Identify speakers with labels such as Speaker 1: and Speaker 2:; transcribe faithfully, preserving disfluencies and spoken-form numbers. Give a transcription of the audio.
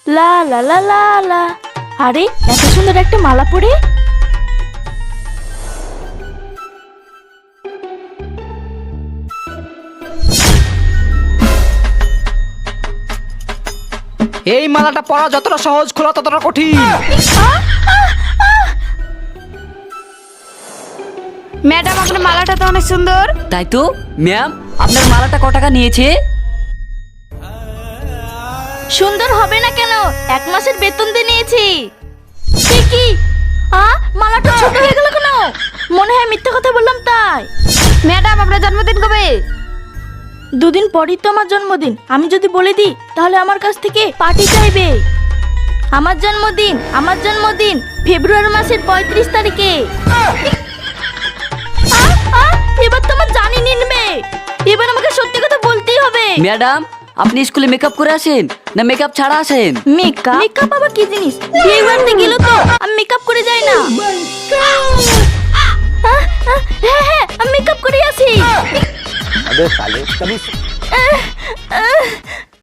Speaker 1: লা লা লা লা লা। আরে এত সুন্দর একটা মালা পরে।
Speaker 2: এই মালাটা পরা যতটা সহজ, খোলা ততটা কঠিন।
Speaker 1: ম্যাডাম আপনার মালাটা তো অনেক সুন্দর।
Speaker 3: তাই তো ম্যাম, আপনার মালাটা ক টাকা নিয়েছে?
Speaker 1: সুন্দর হবে না কেন, এক মাসের বেতন দিয়ে নিয়েছি। সে কি? আ মালাটা ছোট হয়ে গেল কেন? মনে হয় মিথ্যা কথা বললাম তাই। ম্যাডাম আপনার জন্মদিন কবে? দুদিন পরই তো আমার জন্মদিন। আমি যদি বলে দিই তাহলে আমার কাছ থেকে পার্টি চাইবে। আমার জন্মদিন আমার জন্মদিন ফেব্রুয়ারি মাসের পঁয়ত্রিশ তারিখে। আ, আ, এবার তো আমার জানি নিনবে। এবার আমাকে সত্যি কথা বলতেই হবে।
Speaker 3: ম্যাডাম, আপনি স্কুলে মেকআপ করে আসেন না মেকআপ ছাড়া আসেন?
Speaker 1: মেকআপ মেকআপ আবার কি জিনিস? বিয়ে বাড়িতে গেলে তো আমি মেকআপ করে যাই না। আহ, আহ, হ্যাঁ হ্যাঁ আমি মেকআপ করে আসি।